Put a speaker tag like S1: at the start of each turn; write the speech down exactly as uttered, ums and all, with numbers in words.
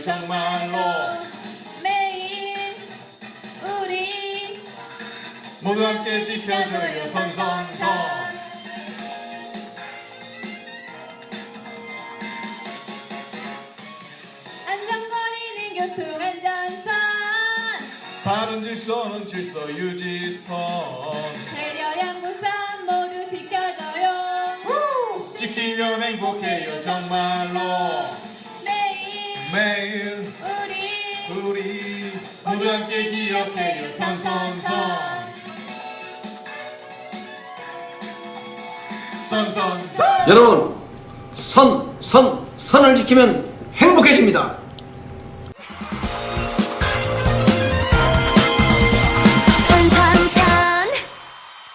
S1: 정말로.
S2: 매일 우리
S1: 모두 함께 지켜줘요 선선선.
S2: 안전거리는 교통안전선,
S1: 바른 질서는 질서 유지선.
S2: 배려 양보선 모두 지켜줘요.
S1: 지키면 행복해요 정말로.
S2: 매일
S1: 매일
S2: 우리
S1: 우리 모두 함께 기억해요 선선선. 선선선.
S3: 여러분, 선, 선, 선을 지키면 행복해집니다.